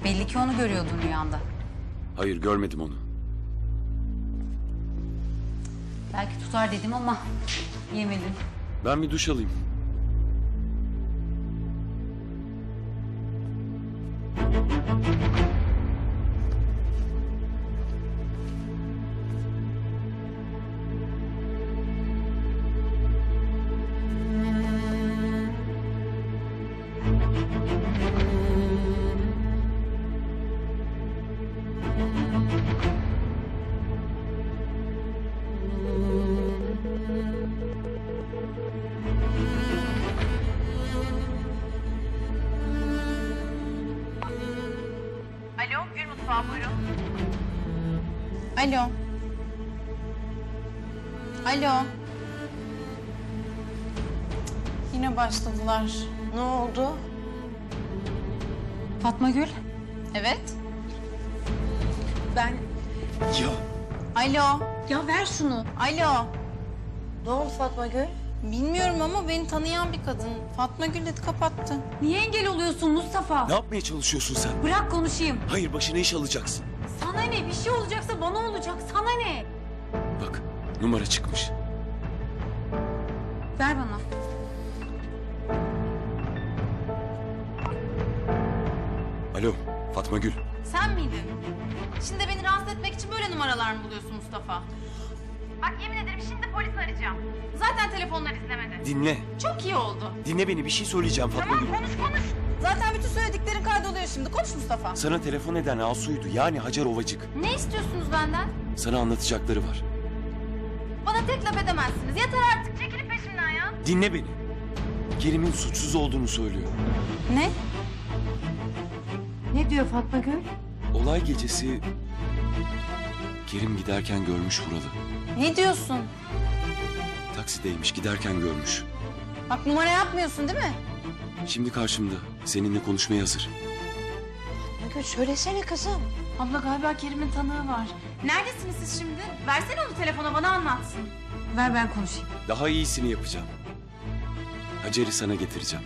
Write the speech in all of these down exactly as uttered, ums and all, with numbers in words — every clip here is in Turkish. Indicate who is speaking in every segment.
Speaker 1: Belli ki onu görüyordun rüyanda.
Speaker 2: Hayır, görmedim onu.
Speaker 1: Belki tutar dedim ama yemedin.
Speaker 2: Ben bir duş alayım.
Speaker 3: Alo, Gül Mutfağı buyurun.
Speaker 4: Alo. Alo. Yine başladılar.
Speaker 5: Ne oldu?
Speaker 1: Fatma Gül.
Speaker 4: Evet. Ben...
Speaker 2: Ya
Speaker 4: Alo.
Speaker 5: Ya ver şunu.
Speaker 4: Alo.
Speaker 5: Ne oldu Fatma Gül?
Speaker 4: Bilmiyorum ama beni tanıyan bir kadın. Fatma Gül dedi, kapattı.
Speaker 1: Niye engel oluyorsun Mustafa?
Speaker 2: ne yapmaya çalışıyorsun sen?
Speaker 1: Bırak konuşayım.
Speaker 2: Hayır, başına iş alacaksın.
Speaker 1: Sana ne? Bir şey olacaksa bana olacak. Sana ne?
Speaker 2: Bak, numara çıkmış.
Speaker 1: Ver bana.
Speaker 2: Alo, Fatma Gül.
Speaker 4: Sen miydin? Şimdi beni rahatsız etmek için böyle numaralar mı buluyorsun Mustafa?
Speaker 3: Bak yemin ederim şimdi polis arayacağım.
Speaker 4: Zaten telefonlar izlemedi.
Speaker 2: Dinle.
Speaker 4: Çok iyi oldu.
Speaker 2: Dinle beni, bir şey söyleyeceğim Fatma Gül.
Speaker 3: Konuş konuş.
Speaker 4: Zaten bütün söylediklerin kaydoluyor şimdi. Konuş Mustafa.
Speaker 2: Sana telefon eden Asu'ydu, yani Hacer Ovacık.
Speaker 4: Ne istiyorsunuz benden?
Speaker 2: Sana anlatacakları var.
Speaker 4: Bana tek laf edemezsiniz. Yeter artık.
Speaker 3: Çekilip peşimden ya.
Speaker 2: Dinle beni. Kerim'in suçsuz olduğunu söylüyor.
Speaker 4: Ne?
Speaker 5: Ne diyor Fatma Gül?
Speaker 2: Olay gecesi Kerim giderken görmüş Vural'ı.
Speaker 4: Ne diyorsun?
Speaker 2: Taksideymiş, giderken görmüş.
Speaker 4: Bak numara yapmıyorsun değil mi?
Speaker 2: Şimdi karşımda, seninle konuşmaya hazır.
Speaker 5: Fatma Gül söylesene kızım.
Speaker 4: Abla galiba Kerim'in tanığı var. Neredesiniz siz şimdi? Versene onu telefona, bana anlatsın.
Speaker 1: Ver ben konuşayım.
Speaker 2: Daha iyisini yapacağım. Hacer'i sana getireceğim.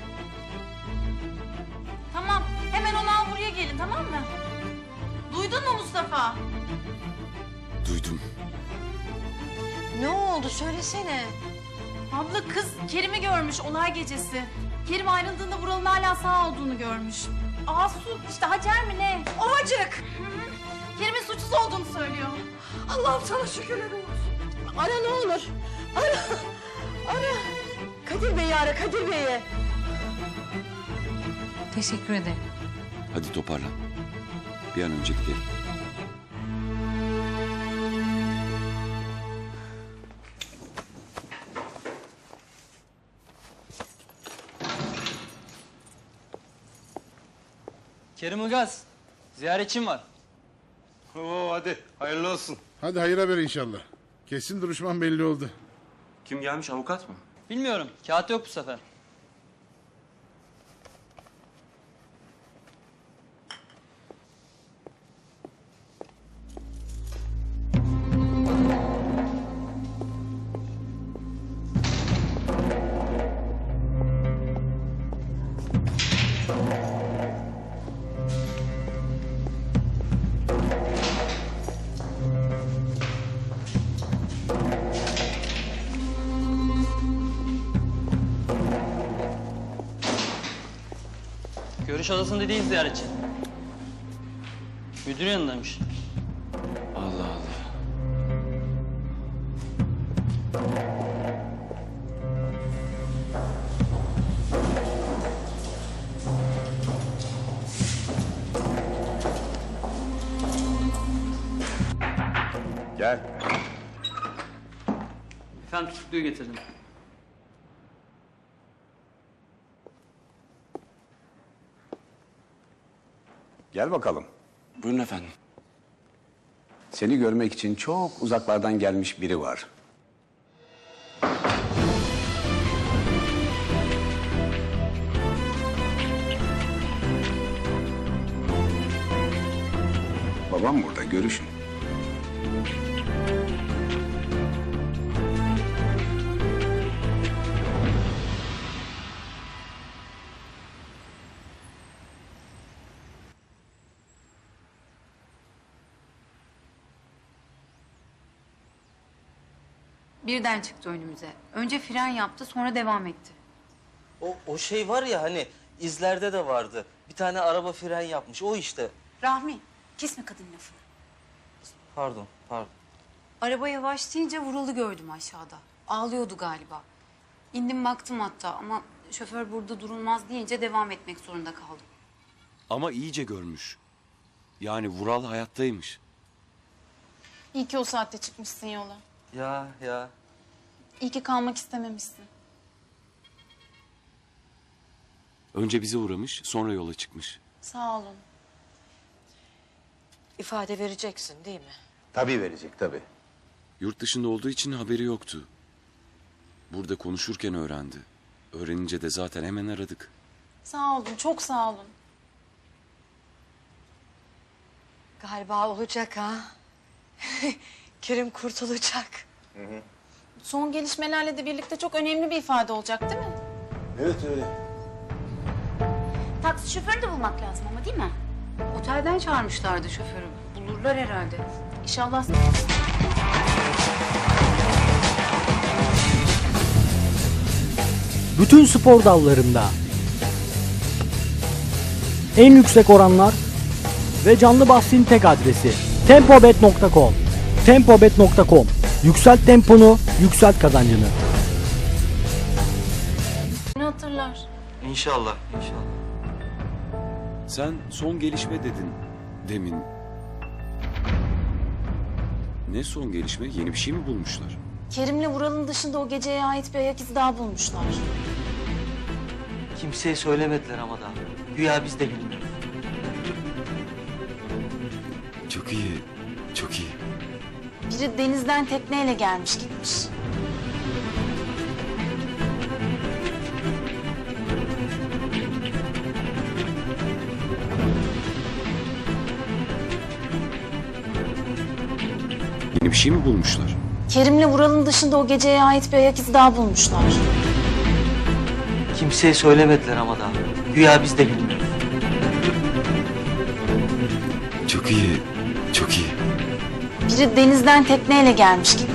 Speaker 4: Tamam, hemen onu al buraya gelin, tamam mı? Duydun mu Mustafa?
Speaker 2: Duydum.
Speaker 5: Ne oldu söylesene.
Speaker 4: Abla kız Kerim'i görmüş olay gecesi. Kerim ayrıldığında Vural'ın hala sağ olduğunu görmüş. Asu işte Hacer mi ne? Ovacık. Hı hı. Kerim'in suçsuz olduğunu söylüyor.
Speaker 5: Allah'ım sana şükürler olsun. Ara ne olur. Ara. Ara. Kadir Bey'i ara Kadir Bey'i.
Speaker 1: Teşekkür ederim.
Speaker 2: Hadi toparlan. Bir an önce gidelim.
Speaker 6: Kerim Ilgaz, ziyaretçim var.
Speaker 7: Oo hadi hayırlı olsun.
Speaker 8: Hadi hayır haber inşallah. Kesin duruşman belli oldu.
Speaker 7: Kim gelmiş, avukat mı?
Speaker 6: Bilmiyorum, kağıt yok bu sefer. Görüş odasında değil ziyaretçi. Müdür yanındaymış.
Speaker 2: Allah Allah.
Speaker 7: Gel.
Speaker 6: Efendim tutukluyu getirdim.
Speaker 9: Gel bakalım.
Speaker 2: Buyurun efendim.
Speaker 9: Seni görmek için çok uzaklardan gelmiş biri var. Babam burada, görüşün.
Speaker 1: Birden çıktı önümüze. Önce fren yaptı, sonra devam etti.
Speaker 10: O, o şey var ya hani izlerde de vardı. Bir tane araba fren yapmış. O işte.
Speaker 1: Rahmi, kesme kadın lafını.
Speaker 10: Pardon, pardon.
Speaker 1: Araba yavaşlayınca vuruldu gördüm aşağıda. Ağlıyordu galiba. İndim baktım hatta ama şoför burada durulmaz deyince devam etmek zorunda kaldım.
Speaker 2: Ama iyice görmüş. Yani Vural hayattaymış.
Speaker 4: İyi ki o saatte çıkmışsın yola.
Speaker 10: Ya ya.
Speaker 4: İyi ki kalmak istememişsin.
Speaker 2: Önce bize uğramış, sonra yola çıkmış.
Speaker 4: Sağ olun.
Speaker 5: İfade vereceksin değil mi?
Speaker 9: Tabii verecek tabii.
Speaker 2: Yurt dışında olduğu için haberi yoktu. Burada konuşurken öğrendi. Öğrenince de zaten hemen aradık.
Speaker 4: Sağ olun, çok sağ olun.
Speaker 5: Galiba olacak ha. Kerim kurtulacak.
Speaker 4: Son gelişmelerle de birlikte çok önemli bir ifade olacak değil mi?
Speaker 9: Evet öyle.
Speaker 1: Taksi şoförünü de bulmak lazım ama değil mi? Otelden çağırmışlardı şoförü. Bulurlar herhalde.
Speaker 4: İnşallah.
Speaker 11: Bütün spor dallarında en yüksek oranlar ve canlı bahsin tek adresi tempobet nokta com. tempobet nokta com. Yükselt temponu, yükselt kazancını.
Speaker 4: Beni hatırlar.
Speaker 10: İnşallah, inşallah.
Speaker 2: Sen son gelişme dedin demin. Ne son gelişme? Yeni bir şey mi bulmuşlar?
Speaker 4: Kerim'le Vural'ın dışında o geceye ait bir ayak izi daha bulmuşlar.
Speaker 10: Kimseye söylemediler ama daha. Güya biz de bilmiyoruz.
Speaker 2: Çok iyi, çok iyi.
Speaker 4: Biri denizden tekneyle gelmiş gitmiş.
Speaker 2: Yeni bir şey mi bulmuşlar?
Speaker 4: Kerim'le Vural'ın dışında o geceye ait bir ayak izi daha bulmuşlar.
Speaker 10: Kimseye söylemediler ama daha. Güya biz de bilmiyoruz.
Speaker 2: Çok iyi, çok iyi.
Speaker 4: Biri denizden tekneyle gelmiş gitmiş.